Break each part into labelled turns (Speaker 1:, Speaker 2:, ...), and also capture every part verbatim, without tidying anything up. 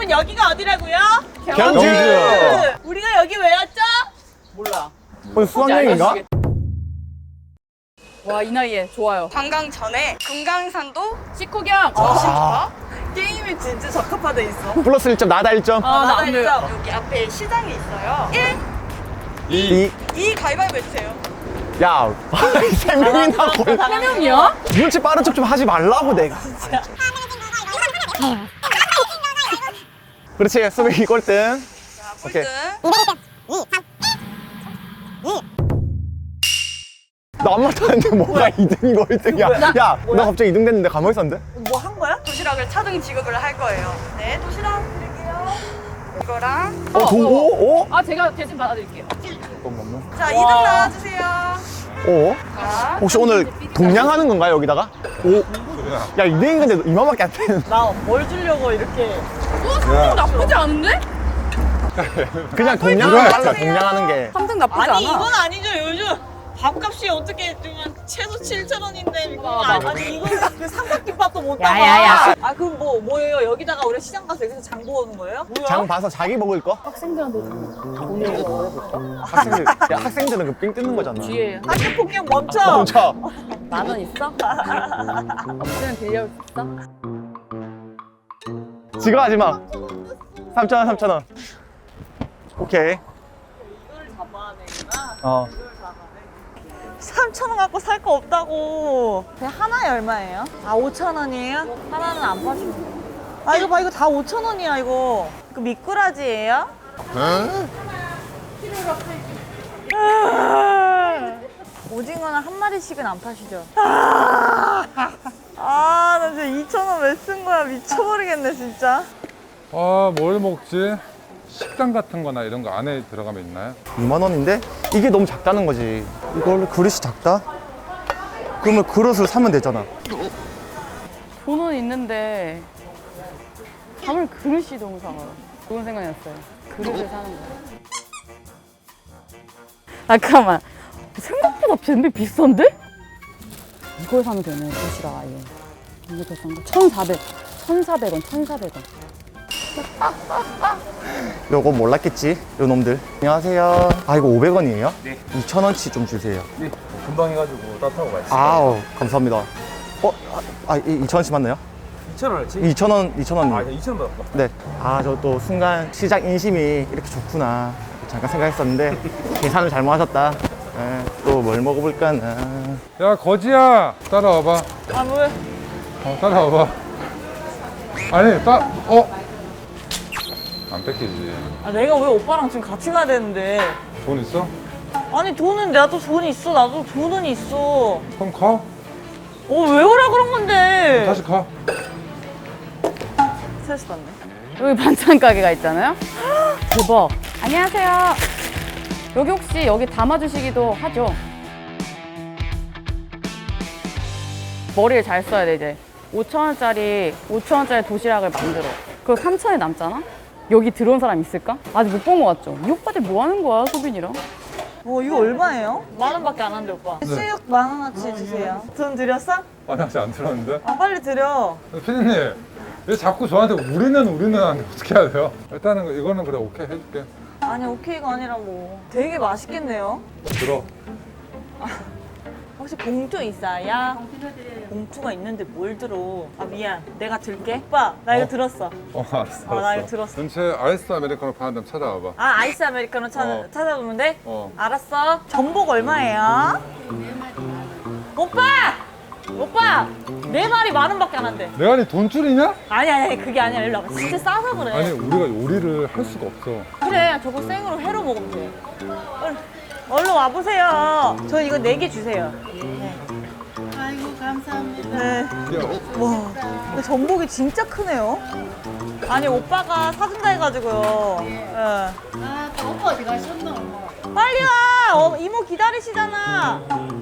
Speaker 1: 여러분 여기가 어디라고요?
Speaker 2: 경주.
Speaker 1: 우리가 여기 왜 왔죠? 몰라.
Speaker 2: 오늘 수학여행인가?
Speaker 3: 와, 이 나이에 좋아요.
Speaker 4: 관광 전에 금강산도
Speaker 3: 식후경.
Speaker 2: 아,
Speaker 1: 게임이 진짜 적합화돼 있어.
Speaker 2: 플러스 일 점, 나다 일 점.
Speaker 3: 아, 나 안 돼요.
Speaker 4: 여기 앞에 시장이 있어요. 일,
Speaker 2: 이.
Speaker 4: 이 가위바위보 해주세요.
Speaker 2: 야, 세 명이나 걸.
Speaker 3: 세 명이야?
Speaker 2: 눈치 빠른 척 좀 하지 말라고 내가. 그렇지, 수빈이 꼴등.
Speaker 4: 자,
Speaker 2: 오케이.
Speaker 4: 꼴등.
Speaker 2: 나 아무 말도 안 했는데 뭐가 이 등이고 일 등이야. 야, 나 갑자기 이 등 됐는데 가만히 있었는데?
Speaker 1: 뭐 한 거야?
Speaker 4: 도시락을 차등 지급을 할 거예요. 네, 도시락 드릴게요. 이거랑.
Speaker 2: 어, 도, 오? 오?
Speaker 3: 아, 제가 대신 받아드릴게요.
Speaker 2: 잠깐만요.
Speaker 4: 자, 이 등 나와주세요.
Speaker 2: 오?
Speaker 4: 자,
Speaker 2: 혹시 오늘 동냥하는 건가요, 여기다가? 오? 야, 이 등인 건데 이만밖에 안 되는.
Speaker 1: 나 뭘 주려고 이렇게.
Speaker 3: 어, 삼 등 나쁘지 않은데?
Speaker 2: 그냥 동냥하는 달라, 동냥하는 게.
Speaker 3: 삼 등 나쁘지
Speaker 1: 아니
Speaker 3: 않아.
Speaker 1: 이건 아니죠. 요즘 밥값이 어떻게 지금 최소 칠천 원인데 이거 아, 아니 이거 그 삼각김밥도 못 담아.
Speaker 3: 야야야.
Speaker 1: 아 그럼 뭐 뭐예요? 여기다가 우리 시장 가서 여기서 장 보는 거예요? 뭐야?
Speaker 2: 장 봐서 자기 먹을 거?
Speaker 3: 학생들한테 돈을 줘.
Speaker 2: 학생들, 야, 학생들은 그 삥 뜯는 거잖아.
Speaker 3: 뒤에
Speaker 1: 학교 폭력 멈춰.
Speaker 2: 멈춰.
Speaker 3: 만 원 있어? 없으면 빌려올 수 있어?
Speaker 2: 지금 하지 마. 삼천 원, 삼천 원. 오케이.
Speaker 1: 이걸 잡아야 되구나.
Speaker 2: 어.
Speaker 1: 삼천 원 갖고 살 거 없다고. 그냥 하나에 얼마예요? 아 오천 원이에요? 하나는 안 파시면 돼요. 아 이거 봐 이거 다 오천 원이야 이거. 그 미꾸라지예요? 오징어는 한 마리씩은 안 파시죠? 아, 나 진짜 이천 원 왜 쓴 거야? 미쳐버리겠네, 진짜.
Speaker 5: 아, 뭘 먹지? 식당 같은 거나 이런 거 안에 들어가면 있나요?
Speaker 2: 이만 원인데? 이게 너무 작다는 거지. 이걸 그릇이 작다? 그러면 그릇을 사면 되잖아.
Speaker 3: 돈은 있는데 밤을 그릇이 너무 작아요. 좋은 생각이었어요. 그릇을 사는 거예요. 아, 잠깐만. 생각보다 밴드 비싼데? 이걸 사면 되네, 도시락 아예. 이게 더 싼 거? 천사백. 천사백 원, 천사백 원.
Speaker 2: 요거 몰랐겠지? 요 놈들. 안녕하세요. 아, 이거 오백 원이에요? 네. 이천 원치 좀 주세요.
Speaker 6: 네, 금방 해가지고 따뜻하고 맛있어요.
Speaker 2: 아우, 감사합니다. 어? 아, 이천 원치 맞나요?
Speaker 6: 이천 원어치?
Speaker 2: 이천 원, 이천 원.
Speaker 6: 아, 이천 원 받았다.
Speaker 2: 네. 아, 저 또 순간 시장 인심이 이렇게 좋구나. 잠깐 생각했었는데, 계산을 잘못하셨다. 네, 또 뭘 먹어볼까, 나.
Speaker 5: 야, 거지야! 따라와봐.
Speaker 1: 아, 왜?
Speaker 5: 어, 따라와봐. 아니, 따, 어? 안 뺏기지.
Speaker 1: 아, 내가 왜 오빠랑 지금 같이 가야 되는데.
Speaker 5: 돈 있어?
Speaker 1: 아니, 돈은 나도 돈이 있어. 나도 돈은 있어.
Speaker 5: 그럼 가.
Speaker 1: 어, 왜 오라 그런 건데?
Speaker 5: 다시 가.
Speaker 1: 스트레스 받네.
Speaker 3: 여기 반찬 가게가 있잖아요? 대박. 안녕하세요. 여기 혹시 여기 담아주시기도 하죠? 머리를 잘 써야 돼, 이제. 오천 원짜리, 오천 원짜리 도시락을 만들어. 그거 삼천 원이 남잖아? 여기 들어온 사람 있을까? 아직 못 본 거 같죠? 이 오빠들 뭐 하는 거야, 소빈이랑?
Speaker 1: 어, 이거 얼마예요? 만 원밖에 안 한대, 오빠. 수육 만 원어치 주세요. 돈 드렸어?
Speaker 5: 아니, 아직 안 들었는데?
Speaker 1: 아, 빨리 드려.
Speaker 5: 피디님, 왜 자꾸 저한테 우리는 우리는 하는데 어떻게 해야 돼요? 일단은 이거는 그래, 오케이 해줄게.
Speaker 1: 아니, 오케이가 아니라 뭐. 되게 맛있겠네요.
Speaker 5: 들어.
Speaker 1: 혹시 봉투 있어요? 봉투가 있는데 뭘 들어? 아 미안, 내가 들게. 오빠, 나 이거
Speaker 5: 어?
Speaker 1: 들었어.
Speaker 5: 어, 알았어,
Speaker 1: 어, 나
Speaker 5: 알았어.
Speaker 1: 이거 들었어.
Speaker 5: 전체 아이스 아메리카노 파는 데좀 찾아와봐.
Speaker 1: 아 아이스 아메리카노 찾아,
Speaker 5: 어.
Speaker 1: 찾아보면 돼?
Speaker 5: 어.
Speaker 1: 알았어. 전복 얼마예요? 오빠! 오빠! 네 마리 만 원밖에 안 한대.
Speaker 5: 내가 니 돈줄이냐?
Speaker 1: 아니 아니 그게 아니라 일로 와봐. 진짜 싸서 그래.
Speaker 5: 아니, 우리가 요리를 할 수가 없어.
Speaker 1: 그래 저거 생으로 회로 먹으면 돼. 얼른, 얼른 와보세요. 저 이거 네 개 주세요. 네.
Speaker 7: 아이고 감사합니다.
Speaker 1: 네.
Speaker 5: 야,
Speaker 1: 와, 근데 전복이 진짜 크네요. 아니 오빠가 사준다 해가지고요. 예.
Speaker 7: 아, 또 오빠 어디 가셨노?
Speaker 1: 빨리 와. 어, 이모 기다리시잖아.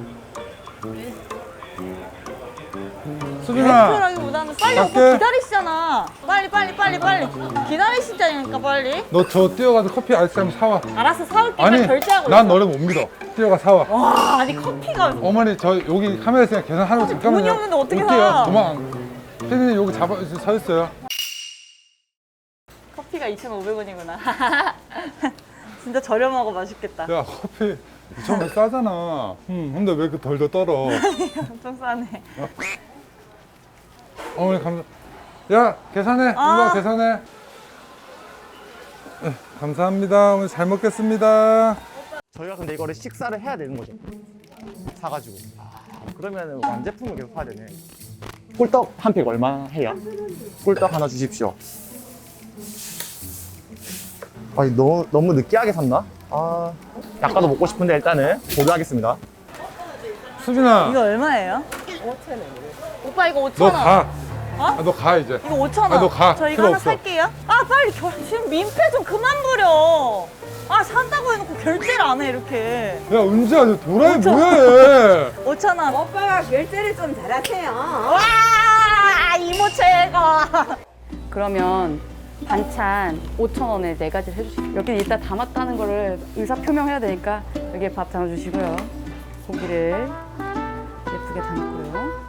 Speaker 5: 수빈아,
Speaker 1: 대표라기보다는 빨리
Speaker 5: 갈게.
Speaker 1: 오빠 기다리시잖아. 빨리 빨리 빨리 빨리 기다리시자니까 빨리.
Speaker 5: 너 저 뛰어가서 커피 아이스 한번 사와.
Speaker 1: 알았어 사올게.
Speaker 5: 아니,
Speaker 1: 결제하고.
Speaker 5: 난
Speaker 1: 있어.
Speaker 5: 너를 못 믿어. 뛰어가 사와.
Speaker 1: 와 아니 커피가
Speaker 5: 어머니, 저 여기 카메라 있으니까 계산하라고 잠깐만요.
Speaker 1: 돈이 없는데 어떻게
Speaker 5: 못 뛰어요.
Speaker 1: 사?
Speaker 5: 도망. 피디님 여기 잡아, 서 있어요.
Speaker 1: 커피가 이천오백 원이구나. 진짜 저렴하고 맛있겠다.
Speaker 5: 야 커피 이천 원 싸잖아. 음, 근데 왜 이렇게 덜덜 떨어?
Speaker 1: 엄청 싸네.
Speaker 5: 어머니 감사. 야 계산해.
Speaker 1: 아.
Speaker 5: 이거 계산해. 네, 감사합니다. 오늘 잘 먹겠습니다.
Speaker 2: 저희가 근데 이거를 식사를 해야 되는 거죠. 사가지고. 아, 그러면 완제품을 계속 사야 되네. 꿀떡 한 팩 얼마 해요? 꿀떡 하나 주십시오. 아니 너무 너무 느끼하게 샀나? 아, 약과도 먹고 싶은데 일단은 고려하겠습니다.
Speaker 5: 수빈아,
Speaker 1: 이거 얼마예요? 오천 원. 오빠 이거 오천
Speaker 5: 너
Speaker 1: 원.
Speaker 5: 가.
Speaker 1: 어?
Speaker 5: 아, 너 가 이제.
Speaker 1: 이거 오천 원.
Speaker 5: 아, 너 가.
Speaker 1: 저 이거
Speaker 5: 필요
Speaker 1: 하나
Speaker 5: 없어.
Speaker 1: 살게요. 아 빨리 결 지금 민폐 좀 그만 부려. 아 산다고 해놓고 결제를 안 해 이렇게.
Speaker 5: 야 은지야, 너 도라이
Speaker 1: 오천
Speaker 5: 뭐야 얘?
Speaker 1: 오천 원.
Speaker 4: 오빠가 결제를 좀 잘하세요.
Speaker 1: 와 이모 최고.
Speaker 3: 그러면 반찬 오천 원에 네 가지를 해주시고 여기 일단 담았다는 거를 의사 표명해야 되니까 여기에 밥 담아주시고요. 고기를 예쁘게 담고요.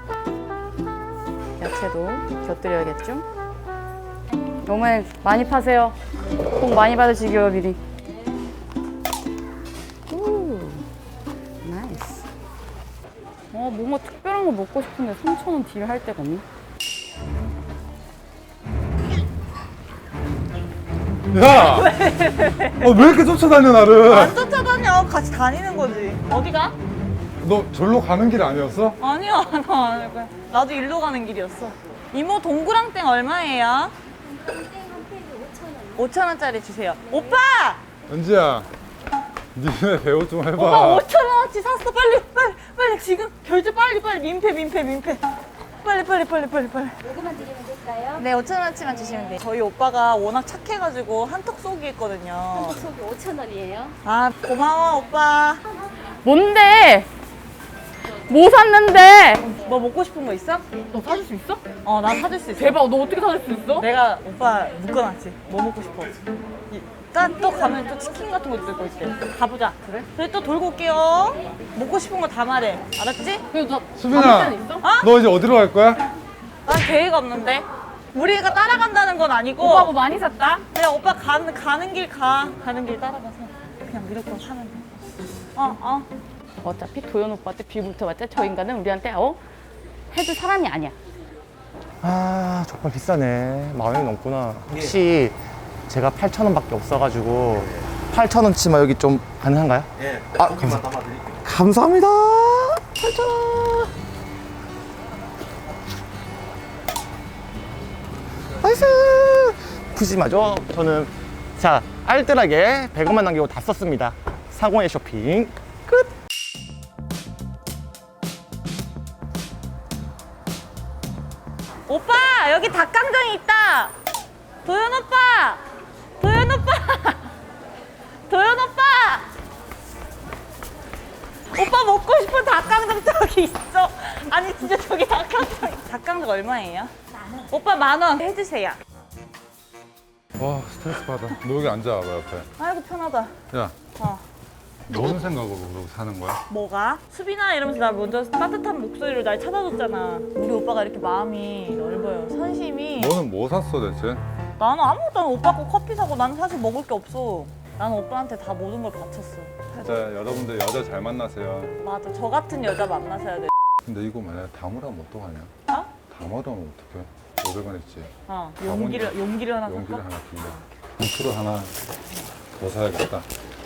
Speaker 3: 야채도 곁들여야겠죠? 어머니 많이 파세요. 복 많이 받으시고요 미리. 오, 나이스. 어 뭔가 특별한 거 먹고 싶은데 삼천 원 딜 할 데가 없네.
Speaker 5: 야, 어, 왜 이렇게 쫓아다녀 나를?
Speaker 1: 안 쫓아다녀. 같이 다니는 거지. 어디가?
Speaker 5: 너 절로 가는 길 아니었어?
Speaker 1: 아니야 나 아닐 거야. 나도 일로 가는 길이었어. 이모 동그랑땡 얼마예요? 오천 원짜리 주세요. 오빠!
Speaker 5: 은지야, 니네 배우 좀 해봐.
Speaker 1: 오빠 오천 원어치 샀어. 빨리 빨리 빨리 지금 결제 빨리 빨리 민폐 민폐 민폐. 빨리 빨리 빨리 빨리 빨리.
Speaker 7: 요거만 드리면 될까요?
Speaker 1: 네 오천 원어치만 주시면 돼요. 저희 오빠가 워낙 착해가지고 한턱 쏘기 했거든요.
Speaker 7: 속이 오천 원이에요.
Speaker 1: 아 고마워 오빠.
Speaker 3: 뭔데? 뭐 샀는데?
Speaker 1: 뭐 먹고 싶은 거 있어?
Speaker 3: 너 사줄 수 있어?
Speaker 1: 어 난 사줄 수 있어.
Speaker 3: 대박, 너 어떻게 사줄 수 있어?
Speaker 1: 내가 오빠 묶어놨지. 뭐 먹고 싶어? 일단 또 가면 또 치킨 같은 거 들고 있대. 가보자. 그래? 그래 또 돌고 올게요. 먹고 싶은 거 다 말해. 알았지?
Speaker 3: 그래도 너
Speaker 5: 수빈아,
Speaker 3: 담을 때는 있어?
Speaker 1: 어?
Speaker 5: 너 이제 어디로 갈 거야?
Speaker 1: 난 계획 없는데. 우리가 따라간다는 건 아니고.
Speaker 3: 오빠 뭐 많이 샀다?
Speaker 1: 그냥 오빠 가는 가는 길 가. 가는 길 따라가서 그냥 무조건 사면 돼. 어 어.
Speaker 3: 어차피 도현 오빠한테 비불터봤자 저 인간은 우리한테 어? 해줄 사람이 아니야.
Speaker 2: 아, 정말 비싸네. 만 원이 넘구나. 혹시 제가 팔천 원밖에 없어가지고 팔천 원치만 여기 좀 가능한가요?
Speaker 6: 예.
Speaker 2: 아,
Speaker 6: 고기만
Speaker 2: 감사-
Speaker 6: 담아드릴게요.
Speaker 2: 감사합니다. 팔천 원. 나이스. 푸짐하죠? 저는 자 알뜰하게 백 원만 남기고 다 썼습니다. 상호의 쇼핑 끝.
Speaker 1: 오빠 여기 닭강정이 있다. 도현 오빠. 도현 오빠. 도현 오빠. 오빠 먹고 싶은 닭강정 저기 있어. 아니 진짜 저기 닭강정. 닭강정 얼마예요? 만 원. 오빠 만 원 해주세요.
Speaker 5: 와 스트레스 받아. 너 여기 앉아봐 옆에.
Speaker 1: 아이고 편하다.
Speaker 5: 야,
Speaker 1: 어.
Speaker 5: 무슨 생각으로 그러고 사는 거야?
Speaker 1: 뭐가? 수빈아 이러면서 나 먼저 따뜻한 목소리로 날 찾아줬잖아. 우리 오빠가 이렇게 마음이 넓어요. 선심이.
Speaker 5: 너는 뭐 샀어 대체?
Speaker 1: 나는 아무것도 안 해. 오빠 거 커피 사고 나는 사실 먹을 게 없어. 나는 오빠한테 다 모든 걸 바쳤어.
Speaker 5: 진짜 여러분들 여자 잘 만나세요.
Speaker 1: 맞아. 저 같은 여자 만나셔야 돼.
Speaker 5: 근데 이거 만약에 담으라면 어떡하냐?
Speaker 1: 어?
Speaker 5: 담으라면 어떡해? 오백 원 있지?
Speaker 1: 어. 용기를 용기를 하나
Speaker 5: 용기를
Speaker 1: 살까?
Speaker 5: 하나 빌려. 부츠로 하나 더 사야겠다.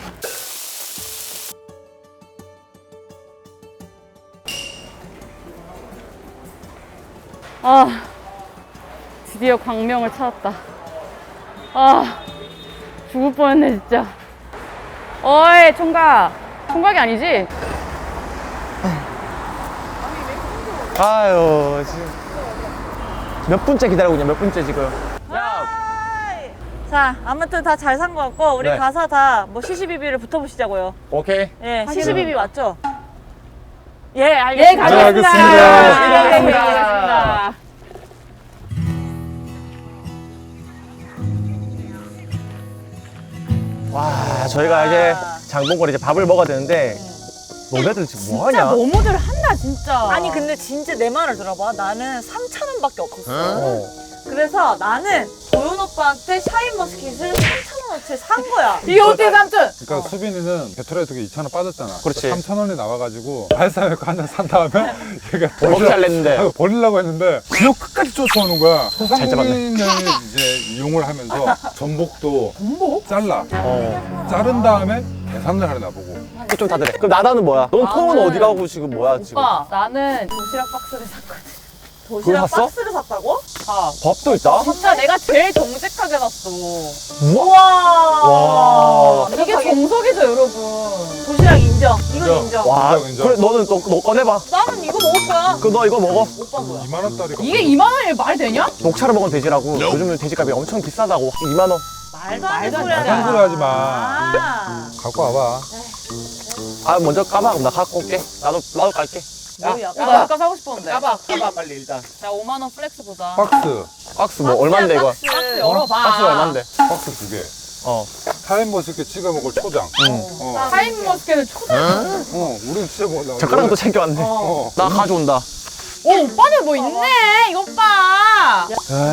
Speaker 3: 아, 드디어 광명을 찾았다. 아, 죽을 뻔했네 진짜. 어이 총각, 총각이 아니지?
Speaker 2: 아유 지금 몇 분째 기다리고 있냐? 몇 분째 지금?
Speaker 1: 하이. 자, 아무튼 다 잘 산 거 같고 우리
Speaker 2: 네.
Speaker 1: 가서 다 뭐 시시비비를 붙어보시자고요.
Speaker 2: 오케이.
Speaker 1: 예,
Speaker 3: 확인은-
Speaker 1: 시시비비 맞죠? 예, 알겠습니다.
Speaker 3: 네, 가겠습니다.
Speaker 5: 네,
Speaker 2: 알겠습니다.
Speaker 3: 네, 가겠습니다.
Speaker 2: 와 저희가 이제 장본거리 이제 밥을 먹어야 되는데 너네들 지금
Speaker 3: 진짜
Speaker 2: 뭐하냐?
Speaker 3: 너무들 한다 진짜.
Speaker 1: 아니 근데 진짜 내 말을 들어봐. 나는 삼천 원밖에 없었어.
Speaker 2: 어.
Speaker 1: 그래서 나는 도현 오빠한테 샤인머스켓을 삼천 원어치 산 거야.
Speaker 3: 이게 어떻게 삼촌?
Speaker 5: 그러니까 수빈이는 배터리 두개 이천 원 빠졌잖아.
Speaker 2: 그렇지.
Speaker 5: 삼천 원이 나와가지고 발사회고 한 잔 산 다음에 얘가
Speaker 2: 먹기 잘 냈는데.
Speaker 5: 아니, 버리려고 했는데 그냥 끝까지 쫓아오는 거야.
Speaker 2: 잘 잡았네.
Speaker 5: 소상공인을 이제 이용을 하면서 전복도
Speaker 3: 전복?
Speaker 5: 잘라.
Speaker 2: 어.
Speaker 5: 자른 다음에 계산을 하려 나보고.
Speaker 2: 좀 다들해. 그럼 나다는 뭐야? 넌 통은
Speaker 3: 나는-
Speaker 2: 어디 가고 지금 뭐야 지금?
Speaker 3: 오빠 나는 도시락 박스를 샀거든.
Speaker 1: 도시락
Speaker 2: 샀어?
Speaker 1: 박스를 샀다고?
Speaker 3: 아
Speaker 2: 밥도 있다?
Speaker 3: 진짜 내가 제일 정직하게 샀어.
Speaker 1: 우와.
Speaker 2: 와.
Speaker 3: 이게 정석이죠 여러분.
Speaker 1: 도시락 인정. 이건
Speaker 5: 인정.
Speaker 1: 인정.
Speaker 2: 와.
Speaker 5: 인정, 인정.
Speaker 2: 그래 너는 또 너 꺼내봐.
Speaker 1: 나는 이거 먹을 거야.
Speaker 2: 그 너 이거 먹어.
Speaker 1: 오빠 뭐야?
Speaker 5: 이만 원짜리.
Speaker 3: 이게 이만 원이 말이 되냐?
Speaker 2: 녹차를 먹은 돼지라고. 요즘은 돼지값이 엄청 비싸다고. 이만 원.
Speaker 1: 말도 안 되는
Speaker 3: 말도
Speaker 1: 소리
Speaker 3: 안
Speaker 1: 하지
Speaker 5: 되는
Speaker 1: 마.
Speaker 5: 소리 하지 마.
Speaker 1: 아.
Speaker 5: 갖고 와봐.
Speaker 2: 아 먼저 까봐. 그럼 나 갖고 올게. 나도 나도 갈게.
Speaker 1: 뭐야?
Speaker 3: 나 약간 사고 싶었는데.
Speaker 2: 까봐. 까봐 빨리 일단.
Speaker 3: 자 오만 원 플렉스 보자.
Speaker 5: 박스.
Speaker 2: 박스 뭐 얼마인데 이거?
Speaker 1: 박스.
Speaker 3: 박스 열어봐.
Speaker 2: 박스 얼마인데?
Speaker 5: 박스 두 개.
Speaker 2: 어.
Speaker 5: 타임머스켓 찍어 먹을 초장. 어.
Speaker 3: 타임머스켓을 초장.
Speaker 5: 어, 우린 진짜 뭐 나.
Speaker 2: 젓가락도 챙겨왔네.
Speaker 5: 어.
Speaker 2: 나 가져온다.
Speaker 3: 오 오빠는 뭐 있네. 이거 봐.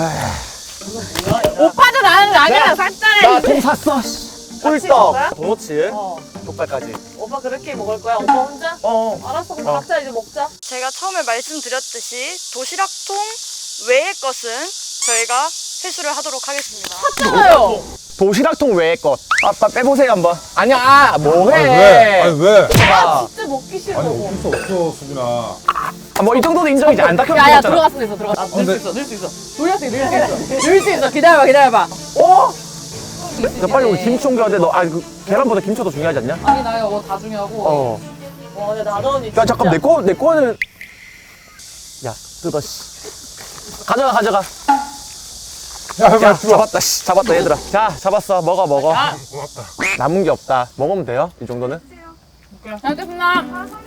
Speaker 3: 오빠도 나는 아니야 샀잖아.
Speaker 2: 나 통 샀어. 꿀떡.
Speaker 1: 거야?
Speaker 2: 도너츠.
Speaker 1: 어.
Speaker 2: 족발까지.
Speaker 1: 오빠 그렇게 먹을 거야? 오빠 혼자?
Speaker 2: 어.
Speaker 1: 알았어. 그럼
Speaker 2: 어.
Speaker 1: 각자 이제 먹자.
Speaker 4: 제가 처음에 말씀드렸듯이 도시락통 외의 것은 저희가 회수를 하도록 하겠습니다.
Speaker 3: 샀잖아요.
Speaker 2: 도시락통 외의 것. 아빠 빼보세요 한번. 아니야. 뭐해?
Speaker 5: 아니 왜? 아니 왜?
Speaker 2: 아,
Speaker 1: 진짜 먹기 싫어.
Speaker 5: 아니 어쩔 수 없어 수빈아.
Speaker 2: 아, 뭐 이 정도는 인정이지. 안 닦여
Speaker 3: 야야
Speaker 2: 먹었잖아.
Speaker 3: 들어갔을 수 있어 들어갔어.
Speaker 5: 아, 근데-
Speaker 3: 넣을 수 있어 넣을 수 있어. 돌릴 수 있어 넣을 수 있어. 넣을 수 있어. 기다려봐 기다려봐.
Speaker 2: 어? 야, 빨리 우리 김치 옮겨야 돼. 너, 아, 그, 계란보다 김치가 더 중요하지 않냐?
Speaker 3: 아니 나 이거 다 중요하고.
Speaker 2: 어.
Speaker 1: 와, 근데 나도 언니
Speaker 2: 야, 잠깐, 내 거, 내 거는. 야, 뜯어, 씨. 가져가, 가져가.
Speaker 5: 야,
Speaker 2: 야,
Speaker 5: 빨리 주워.
Speaker 2: 잡았다, 씨. 잡았다, 얘들아. 자, 잡았어. 먹어, 먹어.
Speaker 3: 야.
Speaker 5: 고맙다.
Speaker 2: 남은 게 없다. 먹으면 돼요? 이 정도는?
Speaker 3: 잘 먹겠습니다.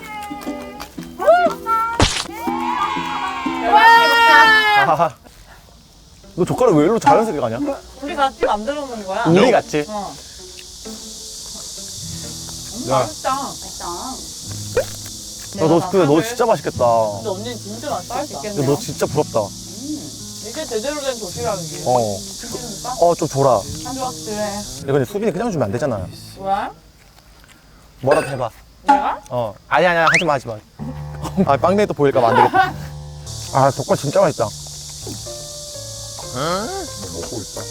Speaker 2: 아, 너 젓가락 왜 일로 자연스럽게 가냐?
Speaker 1: 우리 같이 만들어 놓은 거야.
Speaker 2: 우리 같지?
Speaker 1: 어.
Speaker 5: 야,
Speaker 3: 맛있다. 맛있다.
Speaker 2: 야, 너, 근데 너 진짜 맛있겠다.
Speaker 1: 근데 언니는 진짜 맛있어.
Speaker 3: 할수
Speaker 2: 야,
Speaker 3: 있겠네.
Speaker 2: 너 진짜 부럽다.
Speaker 1: 이게 제대로 된 도시락이지.
Speaker 2: 어. 어, 좀 줘라.
Speaker 3: 한 조각 그래.
Speaker 2: 야, 근데 수빈이 그냥 주면 안 되잖아.
Speaker 3: 왜?
Speaker 2: 뭐라도 해봐.
Speaker 3: 내가?
Speaker 2: 어. 아니, 아니, 하지 마, 하지 마. 아, 빵댕이 또 보일까봐 안 되겠다. 아, 젓갈 진짜 맛있다.
Speaker 5: 너 먹고 있다.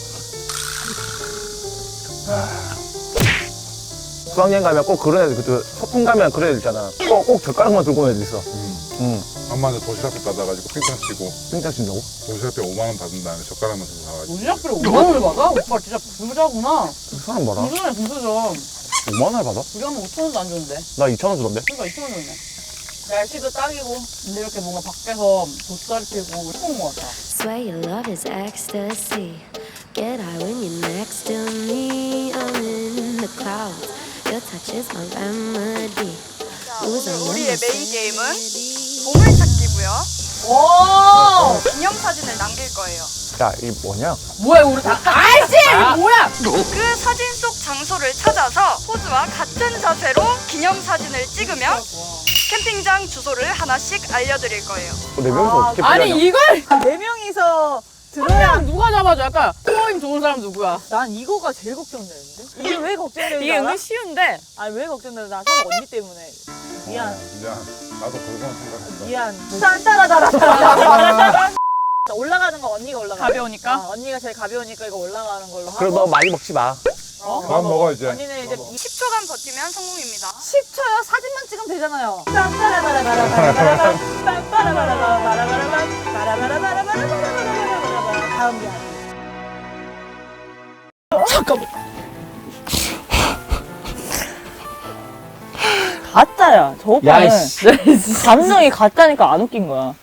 Speaker 2: 수학여행 가면 꼭 그런 애들, 그 소풍 가면 그런 애들 있잖아. 꼭, 꼭 젓가락만 들고 오는 애들 있어. 응.
Speaker 5: 엄마한테 도시락비 받아가지고 핑탕 치고
Speaker 2: 핑장 친다고?
Speaker 5: 도시락비 오만 원 받은 다음에 젓가락만 들고 가가지고.
Speaker 3: 도시락비를 오만 원을 받아? 오빠 진짜 부자구나.
Speaker 2: 그 사람 봐라.
Speaker 3: 부자네 부자죠.
Speaker 2: 오만 원을 받아?
Speaker 3: 우리 엄마 오천 원도 안 주는데.
Speaker 2: 나 이천 원 주던데?
Speaker 3: 그러니까 이천 원 줬네.
Speaker 1: 날씨도 딱이고.
Speaker 3: 근데 이렇게 뭔가 밖에서 돗자리 피고 예쁜 것 같아.
Speaker 8: Swear your love is ecstasy. Get high when you're next to me. I'm in the clouds. Your touch is my remedy.
Speaker 4: 자, 오늘 우리의 메인 게임은 보물찾기고요.
Speaker 1: 오!
Speaker 4: 기념사진을 남길 거예요.
Speaker 2: 야, 이게 뭐냐?
Speaker 3: 뭐야 우리 다 아이씨 뭐야?
Speaker 4: 그 사진 속 장소를 찾아서 포즈와 같은 자세로 기념사진을 찍으면 캠핑장 주소를 하나씩 알려드릴 거예요.
Speaker 2: 네 명이서 어떻게
Speaker 3: 아니
Speaker 2: 피하냐?
Speaker 3: 이걸
Speaker 1: 네 명이서 들어야.
Speaker 3: 그냥 누가 잡아줘? 약간 코어힘 좋은 사람 누구야?
Speaker 1: 난 이거가 제일 걱정되는데? 이게 왜 걱정되는지
Speaker 3: 이게
Speaker 1: 알아?
Speaker 3: 은근 쉬운데.
Speaker 1: 아니 왜 걱정되는지 나 사실 언니 때문에. 미안.
Speaker 5: 어, 미안. 나도 그건 생각했다.
Speaker 1: 미안. 딴따라따라. 올라가는 거 언니가 올라가.
Speaker 3: 가벼우니까?
Speaker 1: 어, 언니가 제일 가벼우니까 이거 올라가는 걸로 하고.
Speaker 2: 그럼 너 많이 먹지 마.
Speaker 1: 어?
Speaker 5: 그만 먹어 이제.
Speaker 1: 언니는 이제
Speaker 4: 십 초간 버티면 성공입니다.
Speaker 1: 십 초요? 사진만 찍으면 되잖아요. 딴따라바라바라바라바라바라. 딴따라바라바라바라바라바라. 바라바라바라바라바라바라바라. 다음 게 아니에요.
Speaker 2: 잠깐만.
Speaker 1: 가짜야. 저 오빠는
Speaker 2: 야, 이씨.
Speaker 1: 감정이 가짜니까 안 웃긴 거야.